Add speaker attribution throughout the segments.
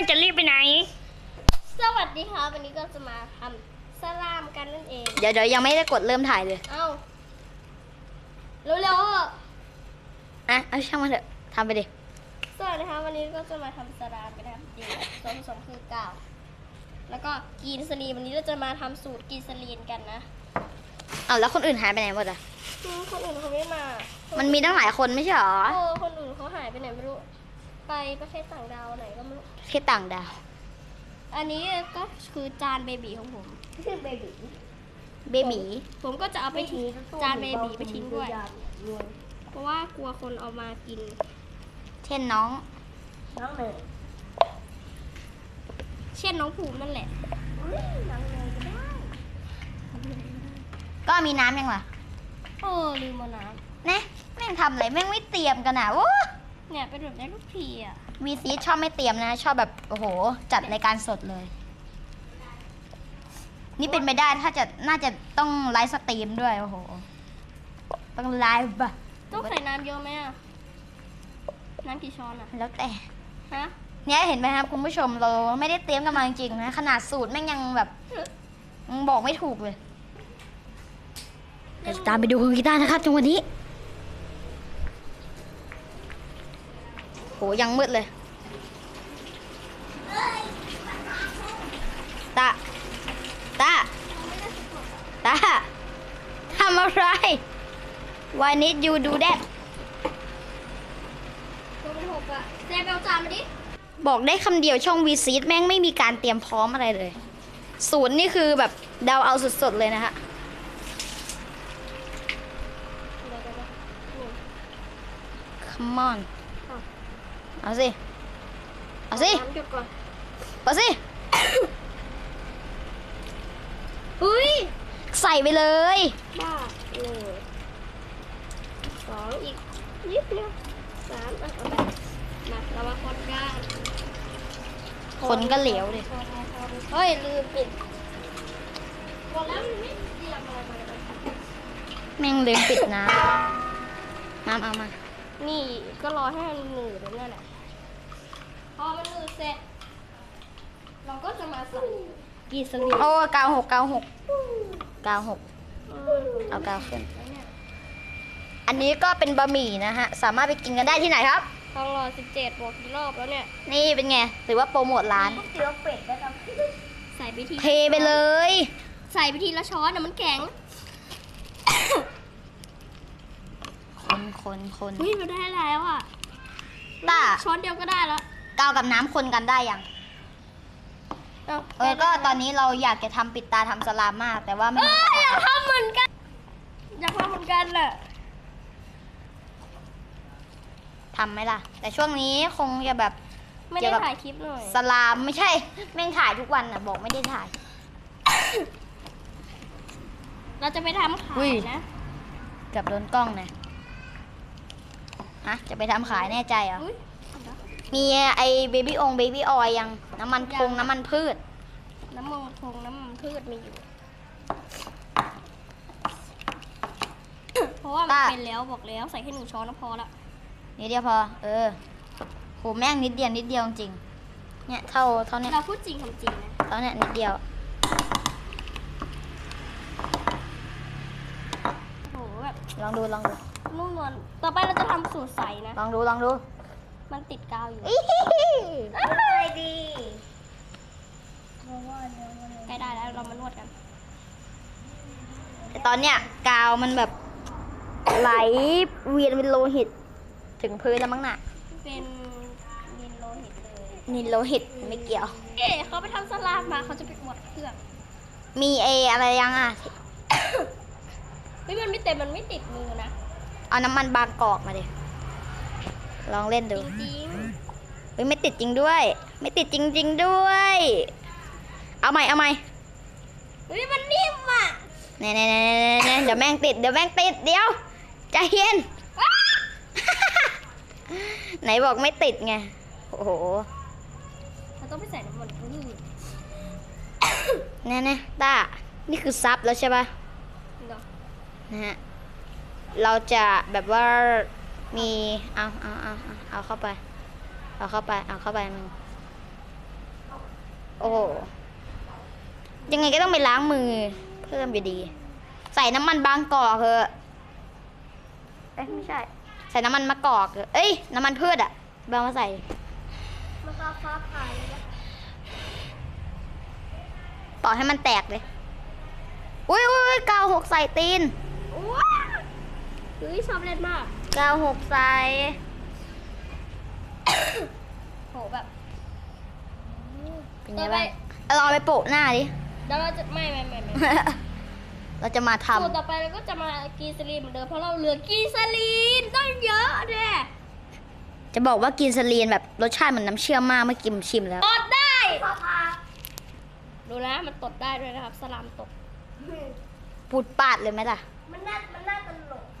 Speaker 1: จะรีบไปไหน
Speaker 2: สวัสดีค่ะวันนี้ก็จะมาทำสลามกันนั่นเอง
Speaker 1: เดี๋ยวยังไม่ได้กดเริ่มถ่ายเลย
Speaker 2: เอ้าเร็ว
Speaker 1: เอาช่างมันเถอะทำไปดิ
Speaker 2: สวัสดีค่ะวันนี้ก็จะมาทำสลามกันนะครับส่วนผสมคือกาวแล้วก็กีนสลีนวันนี้เราจะมาทำสูตรกีนสลีนกันนะ
Speaker 1: แล้วคนอื่นหายไปไหนหมดอ่ะ
Speaker 2: คนอื่นเขาไม่มา
Speaker 1: มันมีตั้งหลายคนไม่ใช่หรอ
Speaker 2: คนอื่นเขาหายไปไหนไม่รู้ไปประเทศต่างดาวไหนก็ไม่รู้
Speaker 1: ประเทศต่างดาว
Speaker 2: อันนี้ก็คือจานเบบีของผมชื่อเบบีผมก็จะเอาไปทิ้งจานเบบีไปทิ้งด้วยเพราะว่ากลัวคนเอามากิน
Speaker 1: เช่นน้อง
Speaker 2: เลยเช่นน้องภูมินั่นแหละน้องเลยก็ได้
Speaker 1: ก็มีน้ำยังล่ะ
Speaker 2: ลืมเอาน้
Speaker 1: ำเนี่ยแม่งทำอะไรแม่งไม่เตรียมกันอ่ะ
Speaker 2: เนี่ยเป็นแบบได้ทุกทีอ่ะ
Speaker 1: วีซีชอบไม่เตรียมนะชอบแบบโอ้โหจัดรายการสดเลยนี่เป็นไม่ได้ถ้าจะน่าจะต้องไลฟ์สตรีมด้วยโอ้โหต้องไลฟ์ป่ะ
Speaker 2: ต้องใส่น้ำเยอะไหมอ่ะน้ำกี่ช้อนอ่ะ
Speaker 1: แล้วแต่
Speaker 2: ฮะ
Speaker 1: เนี่ยเห็นไหมครับคุณผู้ชมเราไม่ได้เตรียมกันมาจริงๆนะขนาดสูตรแม่งยังแบบบอกไม่ถูกเลยเดี๋ยวตามไปดูคุณกีตาร์นะครับจังหวะนี้โหยังมืดเลยตาทำอะไร Why need you do that
Speaker 2: ตัวเป็นหกอะแซ่บเอาจานมาดิ
Speaker 1: บอกได้คำเดียวช่องวีซีแม่งไม่มีการเตรียมพร้อมอะไรเลยศูนย์นี่คือแบบเดาเอาสดๆเลยนะฮะCome on เอาสิเปิดสิ
Speaker 2: อุ้ย
Speaker 1: ใส่ไปเลย
Speaker 2: บ้าเลย2อีกนิดเดียว3เอาไปมาเรามาคนกัน
Speaker 1: คนก็เหลวเลย
Speaker 2: เฮ้ยลืมปิดบอกแล้วมันไม่เตรียมอะไรมาเลย
Speaker 1: แม่งลืมปิดน้ำเอามา
Speaker 2: นี่ก็รอให้มันหนืดนั่นแหละพอมันหนืดเสร็จเราก็จะมาใส่กีสลีน
Speaker 1: 96เอากาวขึ้นอันนี้ก็เป็นบะหมี่นะฮะสามารถไปกินกันได้ที่ไหนครับ
Speaker 2: ทองหล่อ17บวกกี่รอบแล้วเนี่ย
Speaker 1: นี่เป็นไงถือว่าโปรโมทร้าน
Speaker 2: เตี๋ยวเป็ดนะครับใส่ไปที
Speaker 1: เทไปเลย
Speaker 2: ใส่ไปทีละช้อนนะมันแข็ง
Speaker 1: คน
Speaker 2: เฮ้ยเราได้แล้วอ่ะช้อนเดียวก็ได้แล้ว
Speaker 1: กาวกับน้ำคนกันได้ยังก็ตอนนี้เราอยากจะทำปิดตาทำสลามมากแต่ว่าไม่
Speaker 2: อยากทำเหมือนกันแหละ
Speaker 1: ทำไหมล่ะแต่ช่วงนี้คงจะแบบ
Speaker 2: ไม่ได้ถ่ายคลิปหน่อย
Speaker 1: สลามไม่ใช่แม่งถ่ายทุกวันน่ะบอกไม่ได้ถ่าย
Speaker 2: เราจะไปทำขายนะ
Speaker 1: เกือบโดนกล้องนะจะไปทำขายแน่ใจเหรอมีไอเบบี้ออยยังน้ำมันน้ำมันพืช
Speaker 2: น้ำมันพืชมีอยู่เพราะว่ามันเป็นแล้วบอกแล้วใส่แค่1 ช้อนก็พอละ
Speaker 1: นิดเดียวพอโหแม่งนิดเดียวจริงเนี่ยเท่านี้
Speaker 2: เราพูดจริงทำจริงนะ
Speaker 1: เท่านี้นิดเดียว
Speaker 2: โหแบบ
Speaker 1: ลองดู
Speaker 2: นุ่มนวลต่อไปเราจะทำสูตรใสนะ
Speaker 1: ลองดู
Speaker 2: มันติดกาวอยู่
Speaker 1: อะไรดี
Speaker 2: ใกล้ได้แล้วเรามานวดกัน
Speaker 1: แต่ตอนเนี้ยกาวมันแบบไหลเวียนเป็นโลหิตถึงพื้นแล้วมั้งน่ะ
Speaker 2: เป็นนินโลหิตเลย
Speaker 1: นินโลหิตไม่เกี่ยว
Speaker 2: เขาไปทำสลามมาเขาจะไปอวดเครื่อง
Speaker 1: มีอะไรยัง
Speaker 2: เฮ้ยมันไม่เต็มมันไม่ติดมือนะ
Speaker 1: เอาน้ำมันบางกอกมาดิลองเล่นดู
Speaker 2: จริง
Speaker 1: เฮ้ยไม่ติดจริงด้วยไม่ติดจริงด้วยเอาใหม่
Speaker 2: เฮ้ยมันนิ่มอ่ะ
Speaker 1: เนี่ยเดี๋ยวแม่งติดเดี๋ยวใจเย็นไหนบอกไม่ติดไงโอ้โห
Speaker 2: เราต้องไปใส่น้ำมันพืช
Speaker 1: เนี่ยต้านี่คือซับแล้วใช่ป่ะนะฮะเราจะแบบว่ามีเอาเข้าไปมึงโอ้โหยังไงก็ต้องไปล้างมือ เพิ่มอยู่ดี ใส่น้ำมันบางกอกเถอะเอ้ยไม่ใช่ ใส่น้ำมันมะกอกเถอะเอ้ยน้ำมันพืชอะบางมาใส่
Speaker 2: มันก็ฟ้าผ่าเลยนะ
Speaker 1: ต่อให้มันแตกเลย อุ้ยอุ้ยกาวหกใส่ตีน
Speaker 2: ว้าเฮ้ยชอบเล่นมาก
Speaker 1: กาวหกใส่
Speaker 2: โหแบบ
Speaker 1: เป็นไงบ้างเอาลองไปโปะหน้าดิ
Speaker 2: แล้วเราจะไม่
Speaker 1: เราจะมาท
Speaker 2: สูตรต่อไปเราก็จะมากีซาลีนเหมือนเดิมเพราะเราเหลือกีซาลีนต้องเยอะเนี่ย
Speaker 1: ำจะบอกว่ากินสลีนแบบรสชาติเหมือนน้ำเชื่อมมากเมื่อกี้ผมชิมแล้ว
Speaker 2: ตดได้ดูนะมันตดได้ด้วยนะครับสลามตด
Speaker 1: ปูดปาดเลยไหมล่ะ
Speaker 2: มันน่าตลก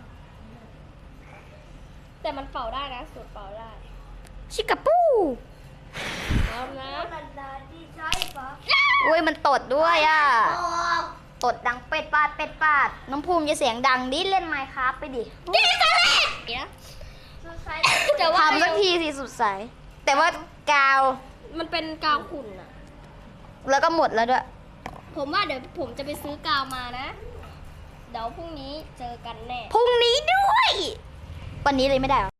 Speaker 2: แต่มันเป่าได้นะสูตรเป่าได้
Speaker 1: ชิกาปู
Speaker 2: เอานะ
Speaker 1: อุ้ยมันตดด้วยอ่ะ ตดดังเป็ดปาดเป็ดปาด น้องภูมิจะเสียงดังดิเล่นไมค์ครับไปดิ
Speaker 2: กีซาลีนเนี่ยแต่ว่า
Speaker 1: ทำสักทีสิสุดสายแต่ว่ากาว
Speaker 2: มันเป็นกาวขุ่นอะ
Speaker 1: แล้วก็หมดแล้วด้วย
Speaker 2: ผมว่าเดี๋ยวผมจะไปซื้อกาวมานะ เดี๋ยวพรุ่งนี้เจอกันแน่
Speaker 1: พรุ่งนี้ด้วย วันนี้เลยไม่ได้เหรอ